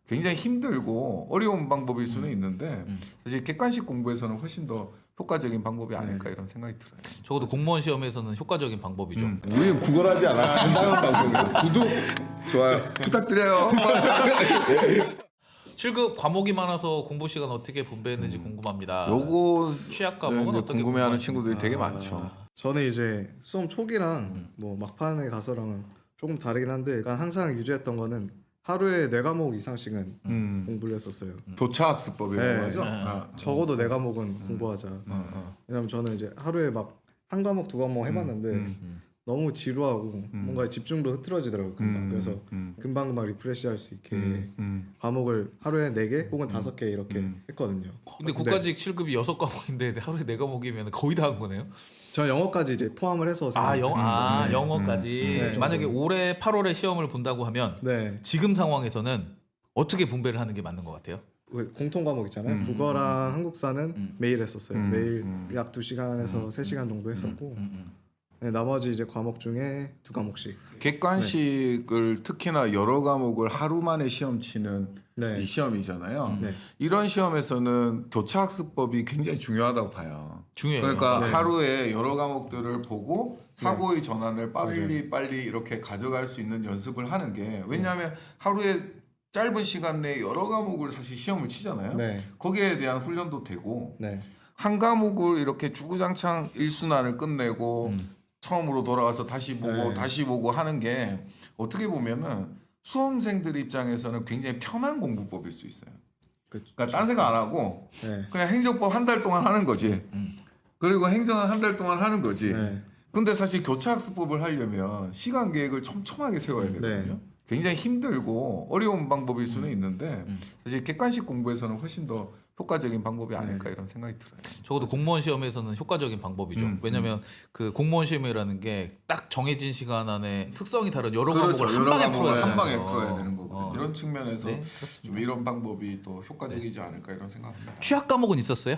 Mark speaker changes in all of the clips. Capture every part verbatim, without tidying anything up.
Speaker 1: 굉장히 힘들고 어려운 방법일 수는 있는데
Speaker 2: 음.
Speaker 1: 사실 객관식 공부에서는 훨씬 더 효과적인 방법이 아닐까 이런 생각이 들어요.
Speaker 2: 적어도 공무원 시험에서는 효과적인 방법이죠.
Speaker 1: 음.
Speaker 3: 우리는 구걸하지 않아. 건강한 방송이야. 구독, 좋아요.
Speaker 1: 부탁드려요.
Speaker 2: 칠 급 과목이 많아서 공부 시간 어떻게 분배했는지 궁금합니다.
Speaker 1: 요거
Speaker 2: 취약 과목은
Speaker 1: 이제
Speaker 2: 어떻게
Speaker 1: 궁금해하는
Speaker 2: 공부하시나요?
Speaker 1: 친구들이 되게
Speaker 4: 아,
Speaker 1: 많죠.
Speaker 4: 저는 이제 수험 초기랑
Speaker 2: 음.
Speaker 4: 뭐 막판에 가서랑은 조금 다르긴 한데 그러니까 항상 유지했던 거는 하루에 네 과목 이상씩은
Speaker 1: 음.
Speaker 4: 공부를 했었어요.
Speaker 1: 교차학습법이라고
Speaker 4: 네.
Speaker 1: 하죠.
Speaker 2: 네.
Speaker 1: 아.
Speaker 4: 적어도 네 과목은 공부하자.
Speaker 1: 어, 어.
Speaker 4: 왜냐면 저는 이제 하루에 막 한 과목 두 과목 해봤는데
Speaker 1: 음,
Speaker 2: 음.
Speaker 4: 너무 지루하고 뭔가 집중도 흐트러지더라고요. 금방.
Speaker 1: 음,
Speaker 4: 그래서
Speaker 1: 음,
Speaker 4: 금방금방 리프레시할 수 있게
Speaker 1: 음, 음.
Speaker 4: 과목을 하루에 네 개 혹은 다섯 개 이렇게
Speaker 1: 음.
Speaker 4: 했거든요.
Speaker 2: 근데 국가직 칠 급이 여섯 과목인데 하루에 네 과목이면 거의 다 한 거네요.
Speaker 4: 저 영어까지 이제 포함을 해서
Speaker 2: 아, 영,
Speaker 4: 생각했었어요.
Speaker 2: 아
Speaker 4: 네.
Speaker 2: 영어까지.
Speaker 4: 음. 네.
Speaker 2: 만약에 올해 팔월에 시험을 본다고 하면
Speaker 4: 네.
Speaker 2: 지금 상황에서는 어떻게 분배를 하는 게 맞는 것 같아요?
Speaker 4: 그 공통 과목 있잖아요.
Speaker 1: 음.
Speaker 4: 국어랑 한국사는
Speaker 2: 음.
Speaker 4: 매일 했었어요.
Speaker 1: 음.
Speaker 4: 매일
Speaker 1: 음.
Speaker 4: 약 두 시간에서
Speaker 2: 음.
Speaker 4: 세 시간 정도 했었고
Speaker 2: 음, 음.
Speaker 4: 네, 나머지 이제 과목 중에 두 과목씩.
Speaker 1: 객관식을 특히나 여러 과목을 하루 만에 시험 치는
Speaker 4: 네.
Speaker 1: 이 시험이잖아요.
Speaker 4: 네.
Speaker 1: 이런 시험에서는 교차학습법이 굉장히 중요하다고 봐요.
Speaker 2: 중요해요.
Speaker 1: 그러니까
Speaker 4: 네.
Speaker 1: 하루에 여러 과목들을 보고 사고의 전환을 빨리
Speaker 4: 맞아요.
Speaker 1: 빨리 이렇게 가져갈 수 있는 연습을 하는 게 왜냐하면 하루에 짧은 시간 내에 여러 과목을 사실 시험을 치잖아요.
Speaker 4: 네.
Speaker 1: 거기에 대한 훈련도 되고
Speaker 4: 네.
Speaker 1: 한 과목을 이렇게 주구장창 일순환을 끝내고
Speaker 2: 음.
Speaker 1: 처음으로 돌아가서 다시 보고
Speaker 4: 네.
Speaker 1: 다시 보고 하는 게 어떻게 보면은 수험생들 입장에서는 굉장히 편한 공부법일 수 있어요.
Speaker 4: 그,
Speaker 1: 그러니까 딴 생각 안 하고
Speaker 4: 네.
Speaker 1: 그냥 행정법 한 달 동안 하는 거지.
Speaker 2: 음.
Speaker 1: 그리고 행정은 한 달 동안 하는 거지.
Speaker 4: 네.
Speaker 1: 근데 사실 교차학습법을 하려면 시간 계획을 촘촘하게 세워야 되거든요.
Speaker 4: 네.
Speaker 1: 굉장히 힘들고 어려운 방법일 수는
Speaker 2: 음.
Speaker 1: 있는데
Speaker 2: 음.
Speaker 1: 사실 객관식 공부에서는 훨씬 더 효과적인 방법이 아닐까
Speaker 4: 네.
Speaker 1: 이런 생각이 들어요.
Speaker 2: 적어도 공무원 시험에서는 효과적인 방법이죠.
Speaker 1: 음,
Speaker 2: 왜냐하면 그 공무원 시험이라는 게 딱 정해진 시간 안에 특성이 다른 여러
Speaker 1: 그렇죠.
Speaker 2: 과목을 한
Speaker 1: 여러
Speaker 2: 방에
Speaker 1: 과목을
Speaker 2: 풀어야
Speaker 1: 한 방에
Speaker 2: 되잖아요.
Speaker 1: 풀어야 되는 거거든요.
Speaker 2: 어.
Speaker 1: 이런 측면에서
Speaker 2: 네,
Speaker 1: 좀 이런 방법이 또 효과적이지 않을까 이런 생각합니다.
Speaker 2: 취약 과목은 있었어요?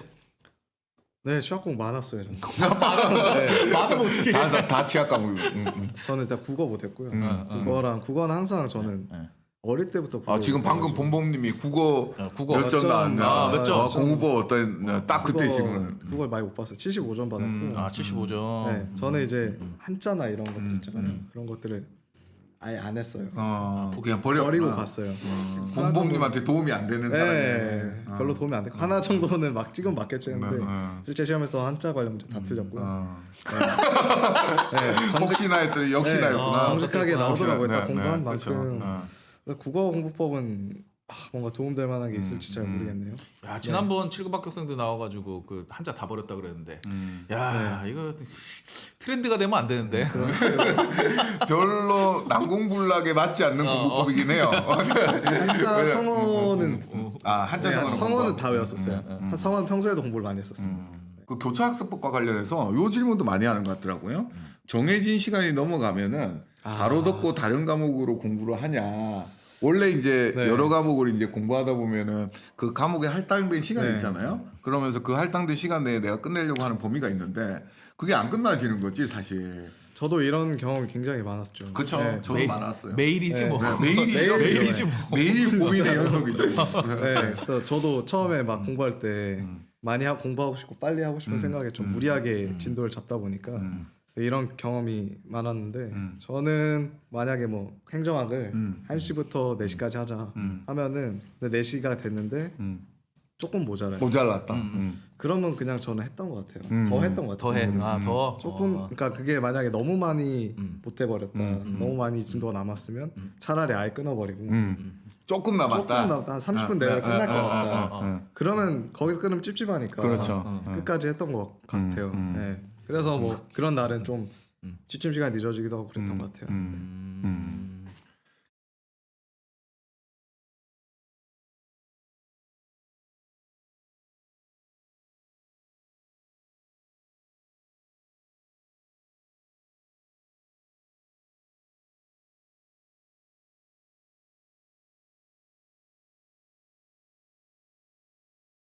Speaker 4: 네, 취약공 많았어요. 저는.
Speaker 2: 네. 많으면 어떻게
Speaker 1: 다, 다, 다 취약 과목. 음, 음.
Speaker 4: 저는 일단 국어 못했고요.
Speaker 1: 음,
Speaker 2: 음.
Speaker 4: 국어랑 국어는 항상 저는
Speaker 2: 네.
Speaker 4: 어릴 때부터 국어
Speaker 1: 아 지금 방금 본봉님이 국어
Speaker 2: 어, 국어
Speaker 1: 몇 점
Speaker 4: 몇 점,
Speaker 1: 나왔냐?
Speaker 2: 아, 몇 점.
Speaker 1: 어, 공부법 어떤 딱 그때
Speaker 4: 국어,
Speaker 1: 지금
Speaker 4: 국어를 많이 못 봤어요. 칠십오 점 받았고.
Speaker 1: 음.
Speaker 2: 아 칠십오 점.
Speaker 4: 네, 저는 이제 한자나 이런 것들
Speaker 1: 음,
Speaker 4: 있잖아요.
Speaker 2: 음.
Speaker 4: 그런 것들을 아예 안 했어요.
Speaker 1: 어, 그냥 버려
Speaker 4: 버리고
Speaker 1: 아,
Speaker 4: 갔어요.
Speaker 1: 어, 본봉님한테 도움이 안 되는
Speaker 4: 네,
Speaker 1: 사람이네. 어.
Speaker 4: 별로 도움이 안 됐고 하나 정도는 막 찍으면 맞겠지 했는데
Speaker 1: 네, 어.
Speaker 4: 실제 시험에서 한자 관련 문제 다 틀렸고요.
Speaker 1: 어.
Speaker 4: 네, 정직,
Speaker 1: 혹시나 했더니 역시나였구나.
Speaker 4: 네, 정직하게 나오더라고요.
Speaker 1: 네,
Speaker 4: 딱 공부한
Speaker 1: 네,
Speaker 4: 만큼.
Speaker 1: 그렇죠. 어.
Speaker 4: 그래서 국어 공부법은 아, 뭔가 도움될 만한 게 있을지 잘
Speaker 1: 음, 음.
Speaker 4: 모르겠네요.
Speaker 2: 야 지난번 칠 급 합격생들 나와가지고 그 한자 다 버렸다 그랬는데.
Speaker 1: 음.
Speaker 2: 야 이거 트렌드가 되면 안 되는데.
Speaker 1: 별로 난공불락에 맞지 않는
Speaker 2: 어,
Speaker 1: 공부법이긴 해요.
Speaker 4: 한자 성어는
Speaker 1: 아 한자
Speaker 4: 네,
Speaker 1: 성어는
Speaker 4: 성어는
Speaker 1: 공부하고.
Speaker 4: 다 외웠었어요. 한 성어는 평소에도 공부를 많이 했었어요.
Speaker 1: 그 교차학습법과 관련해서 요 질문도 많이 하는 것 같더라고요. 정해진 시간이 넘어가면은
Speaker 4: 아.
Speaker 1: 바로 덮고 다른 과목으로 공부를 하냐. 원래 이제
Speaker 4: 네.
Speaker 1: 여러 과목을 이제 공부하다 보면은 그 과목에 할당된 시간이
Speaker 4: 네.
Speaker 1: 있잖아요. 그러면서 그 할당된 시간 내에 내가 끝내려고 하는 범위가 있는데 그게 안 끝나지는 거지 사실.
Speaker 4: 저도 이런 경험이 굉장히 많았죠.
Speaker 1: 그쵸.
Speaker 4: 네.
Speaker 1: 저도
Speaker 2: 매일-
Speaker 1: 많았어요.
Speaker 2: 매일이지
Speaker 4: 네.
Speaker 2: 뭐.
Speaker 1: 네, 매일이죠.
Speaker 4: 매일-
Speaker 2: 매일이지 뭐.
Speaker 1: 매일 고민의 연속이죠.
Speaker 4: 네, 그래서 저도 처음에 막 공부할 때
Speaker 1: 음.
Speaker 4: 많이 하, 공부하고 싶고 빨리 하고 싶은
Speaker 1: 음.
Speaker 4: 생각에 좀
Speaker 1: 음.
Speaker 4: 무리하게
Speaker 1: 음.
Speaker 4: 진도를 잡다 보니까
Speaker 1: 음.
Speaker 4: 이런 경험이 많았는데
Speaker 1: 음.
Speaker 4: 저는 만약에 뭐 행정학을
Speaker 1: 음.
Speaker 4: 한 시부터 네 시까지 하자
Speaker 1: 음.
Speaker 4: 하면은 근데 네 시가 됐는데
Speaker 1: 음.
Speaker 4: 조금 모자라요.
Speaker 1: 모자랐다.
Speaker 2: 음.
Speaker 1: 음.
Speaker 4: 그러면 그냥 저는 했던 것 같아요.
Speaker 1: 음.
Speaker 4: 더 했던 것
Speaker 2: 더
Speaker 4: 같아요.
Speaker 2: 해. 아 더.
Speaker 4: 조금
Speaker 2: 어.
Speaker 4: 그러니까 그게 만약에 너무 많이
Speaker 2: 음.
Speaker 4: 못 해버렸다,
Speaker 1: 음,
Speaker 2: 음.
Speaker 4: 너무 많이 진도가 남았으면
Speaker 2: 음.
Speaker 4: 차라리 아예 끊어버리고
Speaker 1: 음. 조금 남았다.
Speaker 4: 조금 남았다, 한 삼십 분
Speaker 1: 아,
Speaker 4: 내에
Speaker 1: 아,
Speaker 4: 끝날
Speaker 1: 아,
Speaker 4: 것
Speaker 1: 아,
Speaker 4: 같다.
Speaker 1: 아, 아, 아.
Speaker 4: 그러면 거기서 끊으면 찝찝하니까
Speaker 1: 그렇죠.
Speaker 2: 어,
Speaker 1: 어.
Speaker 4: 끝까지 했던 것 같아요.
Speaker 1: 음, 음.
Speaker 4: 네. 그래서 뭐 그런 날은 좀
Speaker 2: 음.
Speaker 4: 취침 시간 이 늦어지기도 하고 그랬던
Speaker 1: 음,
Speaker 4: 것 같아요.
Speaker 1: 음.
Speaker 2: 음.